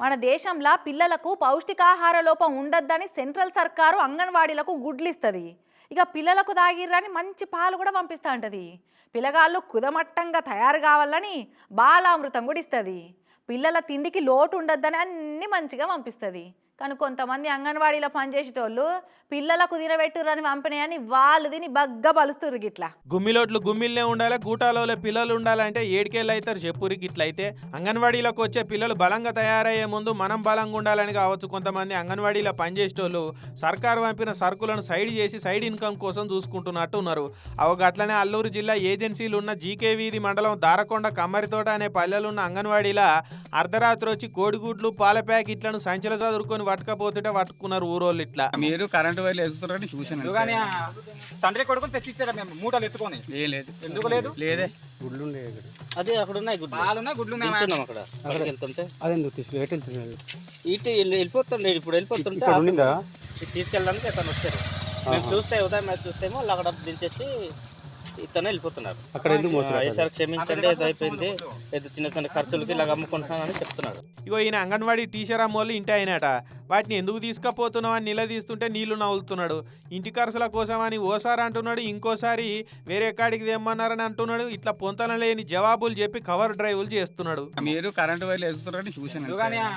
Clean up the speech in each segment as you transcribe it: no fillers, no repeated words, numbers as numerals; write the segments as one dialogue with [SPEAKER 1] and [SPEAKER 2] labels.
[SPEAKER 1] మన దేశంలో పిల్లలకు పౌష్టికాహార లోపం ఉండొద్దని సెంట్రల్ సర్కారు అంగన్వాడీలకు గుడ్లు ఇస్తుంది. ఇక పిల్లలకు తాగిర్రని మంచి పాలు కూడా పంపిస్తూ ఉంటుంది. పిల్లగాళ్ళు కుదమట్టంగా తయారు కావాలని బాలామృతం కూడా ఇస్తుంది. పిల్లల తిండికి లోటు ఉండొద్దని అన్ని మంచిగా పంపిస్తుంది. కానీ కొంతమంది అంగన్వాడీలో పనిచేసేటోళ్ళు పిల్లలకు తినబెట్టురని పంపినాయని వాళ్ళు తిని బగ్గ బలుస్తురు. గిట్లా
[SPEAKER 2] గుమ్మిలోట్లు గుమ్మిల్నే ఉండాలి, గూటాలలో పిల్లలు ఉండాలంటే ఏడికేళ్ళు అవుతారు చెప్పురి. గిట్లయితే అంగన్వాడీలోకి వచ్చే పిల్లలు బలంగా తయారయ్యే ముందు మనం బలంగా ఉండాలని కావచ్చు. కొంతమంది అంగన్వాడీలో పనిచేసేటోళ్ళు సర్కారు పంపిన సరుకులను సైడ్ చేసి సైడ్ ఇన్కమ్ కోసం చూసుకుంటున్నట్టు ఉన్నారు. అవగట్లనే అల్లూరు జిల్లా ఏజెన్సీలు ఉన్న జీకే వీధి మండలం దారకొండ కమ్మరితోట అనే పల్లెలున్న అంగన్వాడీల అర్ధరాత్రి వచ్చి కోడిగుడ్లు పాల ప్యాకెట్లను సంచల చదువుకొని పట్టుకపోతుంటే పట్టుకున్నారు ఊరోళ్ళు. ఇట్లా
[SPEAKER 3] మీరు కరెంటు వైర్లు ఎదుగుతారని చూసాను.
[SPEAKER 4] తండ్రి కొడుకుని తెచ్చిచ్చారా మేము మూటలు ఎత్తుకొని?
[SPEAKER 3] లేదు.
[SPEAKER 4] ఎందుకు లేదు?
[SPEAKER 3] లేదే.
[SPEAKER 5] గుడ్లు ఉన్నాయి ఇక్కడ.
[SPEAKER 6] అదే అక్కడ ఉన్నాయి గుడ్లు.
[SPEAKER 4] పాలున్నాయి, గుడ్లు ఉన్నాయి.
[SPEAKER 6] నిల్చున్నాం అక్కడ. అక్కడికి వెళ్తుంటే
[SPEAKER 5] అదే నువ్వు తీసుకెళ్తున్నాను.
[SPEAKER 6] ఇటు వెళ్ళిపోతుండే. ఇప్పుడు వెళ్ళిపోతుంటే తీసుకెళ్ళడానికి అతను వచ్చారు. మేము చూస్తే ఉదయం మ్యాచ్ చూస్తేమో వాళ్ళు అక్కడ దించేసి ఇతను వెళ్ళిపోతున్నారు.
[SPEAKER 5] అక్కడ ఎందుకు
[SPEAKER 6] ఈసారి క్షమించండి, ఏదో అయిపోయింది, ఏదో చిన్న చిన్న ఖర్చులకి ఇలాగ అమ్ముకుంటున్నానని చెప్తున్నాడు.
[SPEAKER 2] ఇగో ఈయన అంగన్వాడీ టీచర్ అమ్మోళ్ళు ఇంటి అయినట. వాటిని ఎందుకు తీసుకపోతున్నావు అని నిలదీస్తుంటే నీళ్లు నవ్వులుతున్నాడు. ఇంటి ఖర్చుల కోసమని ఓసారి అంటున్నాడు, ఇంకోసారి వేరే కాడికి తెమ్మన్నారని అంటున్నాడు. ఇట్లా పొంతన లేని జవాబులు చెప్పి కవర్ డ్రైవులు చేస్తున్నాడు.
[SPEAKER 3] మీరు కరెంటు వైర్లు ఎదుగుతారని చూసాను.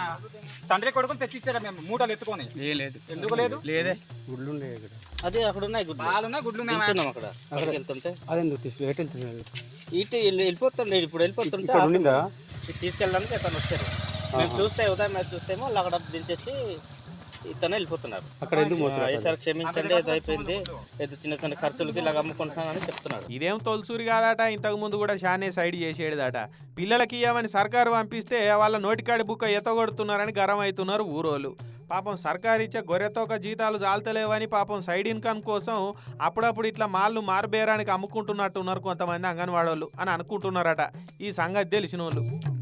[SPEAKER 4] తండ్రి కొడుకుని తెచ్చిచ్చారా మేము మూటలు ఎత్తుకొని?
[SPEAKER 3] లేదు.
[SPEAKER 4] ఎందుకు లేదు?
[SPEAKER 3] లేదే.
[SPEAKER 5] గుడ్లు ఉన్నాయి ఇక్కడ.
[SPEAKER 6] అదే అక్కడ ఉన్నాయి గుడ్లు.
[SPEAKER 4] పాలున్నాయి, గుడ్లు ఉన్నాయి.
[SPEAKER 6] నిల్చున్నాం అక్కడ. అక్కడికి వెళ్తుంటే
[SPEAKER 5] అదే నువ్వు తీసుకెళ్తున్నాను.
[SPEAKER 6] ఇటు వెళ్ళిపోతుండే. ఇప్పుడు వెళ్ళిపోతుంటే తీసుకెళ్ళడానికి అతను వచ్చారు. మేము చూస్తే ఉదయం మ్యాచ్ చూస్తేమో వాళ్ళు అక్కడ దించేసి ఇతను వెళ్ళిపోతున్నారు.
[SPEAKER 5] అక్కడ ఎందుకు
[SPEAKER 6] ఈసారి క్షమించండి, ఏదో అయిపోయింది, ఏదో చిన్న చిన్న ఖర్చులకి ఇలాగ అమ్ముకుంటున్నానని చెప్తున్నాడు.
[SPEAKER 2] ఇదేం తొలసూరి కాదట, ఇంతకు ముందు కూడా షానే సైడ్ చేసేదట. పిల్లలకి ఇవ్వమని సర్కారు పంపిస్తే వాళ్ళ నోటికాడి బుక్క ఎత్తగొడుతున్నారని గరం అవుతున్నారు ఊరోళ్ళు. పాపం సర్కారు ఇచ్చే గొర్రెతోక జీతాలు చాలతలేవని పాపం సైడ్ ఇన్కమ్ కోసం అప్పుడప్పుడు ఇట్లా మాళ్ళు మారుబేరానికి అమ్ముకుంటున్నట్టున్నారు కొంతమంది అంగన్వాడోళ్ళు అని అనుకుంటున్నారట ఈ సంగతి తెలిసిన వాళ్ళు.